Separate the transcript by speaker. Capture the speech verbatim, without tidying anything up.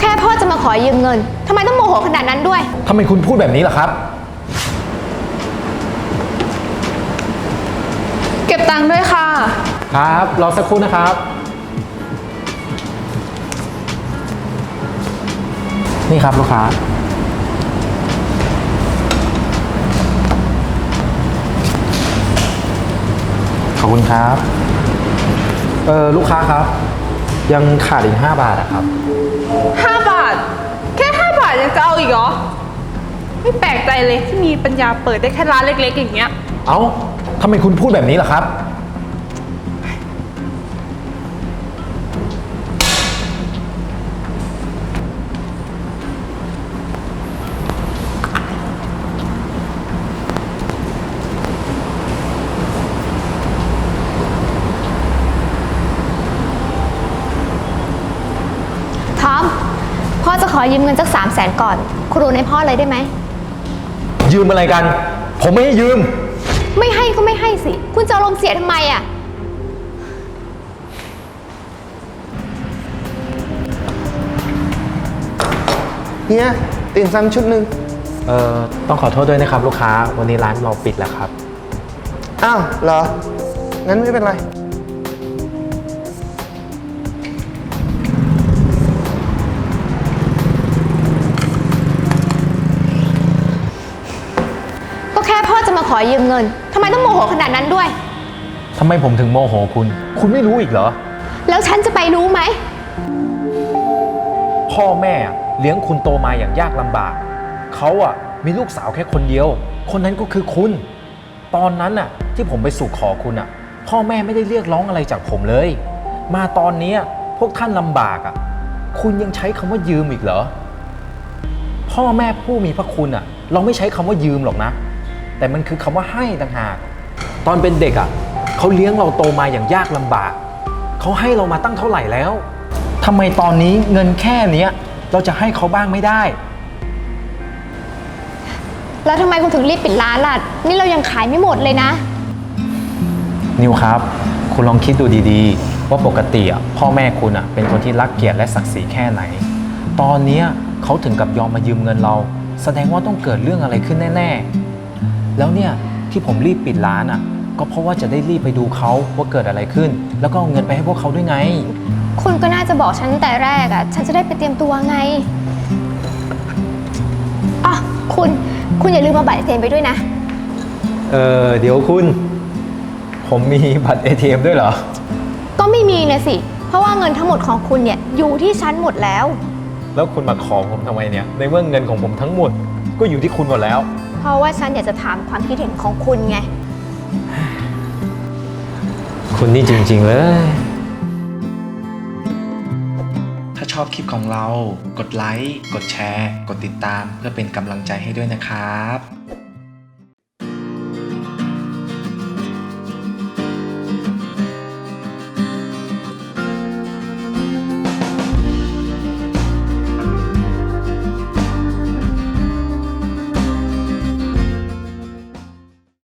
Speaker 1: แค่พ่อจะมาขอยืมเงินทำไมต้องโมโหขนาดนั้นด้วย
Speaker 2: ทำไมคุณพูดแบบนี้ล่ะครับ
Speaker 3: เก็บตังค์ด้วยค่ะ
Speaker 2: ครับรอสักครู่นะครับนี่ครับลูกค้าขอบคุณครับเออลูกค้าครับยังขาดอีกห้าบาทอะครับ
Speaker 3: ห้าบาทแค่ห้าบาทยังจะเอาอีกเหรอไม่แปลกใจเลยที่มีปัญญาเปิดได้แค่ร้านเล็กๆอย่างเงี้ย
Speaker 2: เอ้าทำไมคุณพูดแบบนี้ล่ะครับ
Speaker 1: ทอมพ่อจะขอยืมเงินสักสามแสนก่อนคุณรูนให้พ่อเลยได้ไหม
Speaker 2: ยืมอะไรกันผมไม่ให้ยืม
Speaker 1: ไม่ให้ก็ไม่ให้สิคุณจะอารมณ์เสียทำไมอ่ะ
Speaker 4: เฮียติ่มซำชุดหนึ่ง
Speaker 2: เอ่อต้องขอโทษด้วยนะครับลูกค้าวันนี้ร้านเราปิดแล้วครับ
Speaker 4: อ้าวเหรองั้นไม่เป็นไร
Speaker 1: ก็แค่พ่อจะมาขอยืมเงินทำไมต้องโมโหขนาดนั้นด้วย
Speaker 2: ทำไมผมถึงโมโหคุณคุณไม่รู้อีกเหรอ
Speaker 1: แล้วฉันจะไปรู้ไหม
Speaker 2: พ่อแม่เลี้ยงคุณโตมาอย่างยากลำบากเขาอ่ะมีลูกสาวแค่คนเดียวคนนั้นก็คือคุณตอนนั้นน่ะที่ผมไปสู่ขอคุณอ่ะพ่อแม่ไม่ได้เรียกร้องอะไรจากผมเลยมาตอนนี้พวกท่านลำบากอ่ะคุณยังใช้คำว่ายืมอีกเหรอพ่อแม่ผู้มีพระคุณอ่ะเราไม่ใช้คำว่ายืมหรอกนะแต่มันคือคำว่าให้ต่างหากตอนเป็นเด็กอ่ะเขาเลี้ยงเราโตมาอย่างยากลำบากเขาให้เรามาตั้งเท่าไหร่แล้วทำไมตอนนี้เงินแค่นี้เราจะให้เขาบ้างไม่ได้
Speaker 1: แล้วทำไมคุณถึงรีบปิดร้านล่ะนี่เรายังขายไม่หมดเลยนะ
Speaker 2: นิวครับคุณลองคิดดูดีๆว่าปกติอ่ะพ่อแม่คุณอ่ะเป็นคนที่รักเกียรติและศักดิ์ศรีแค่ไหนตอนนี้เขาถึงกับยอมมายืมเงินเราแสดงว่าต้องเกิดเรื่องอะไรขึ้นแน่ๆแล้วเนี่ยที่ผมรีบปิดร้านอ่ะก็เพราะว่าจะได้รีบไปดูเขาว่าเกิดอะไรขึ้นแล้วก็เอาเงินไปให้พวกเขาด้วยไง
Speaker 1: คุณก็น่าจะบอกฉันแต่แรกอ่ะฉันจะได้ไปเตรียมตัวไงอ่ะคุณคุณอย่าลืมมาบัตร เอ ที เอ็ม ไปด้วยนะ
Speaker 2: เออเดี๋ยวคุณผมมีบัตร เอ ที เอ็ม ด้วยเหรอ
Speaker 1: ก็ไม่มีนะสิเพราะว่าเงินทั้งหมดของคุณเนี่ยอยู่ที่ฉันหมดแล้ว
Speaker 2: แล้วคุณมาขอผมทำไมเนี่ยในเมื่อเงินของผมทั้งหมดก็อยู่ที่คุณหมดแล้ว
Speaker 1: เพราะว่าฉันอยากจะถามความคิดเห็นของคุณไง
Speaker 2: คุณนี่จริงๆเลยถ้าชอบคลิปของเรากดไลค์กดแชร์กดติดตามเพื่อเป็นกำลังใจให้ด้วยนะครับ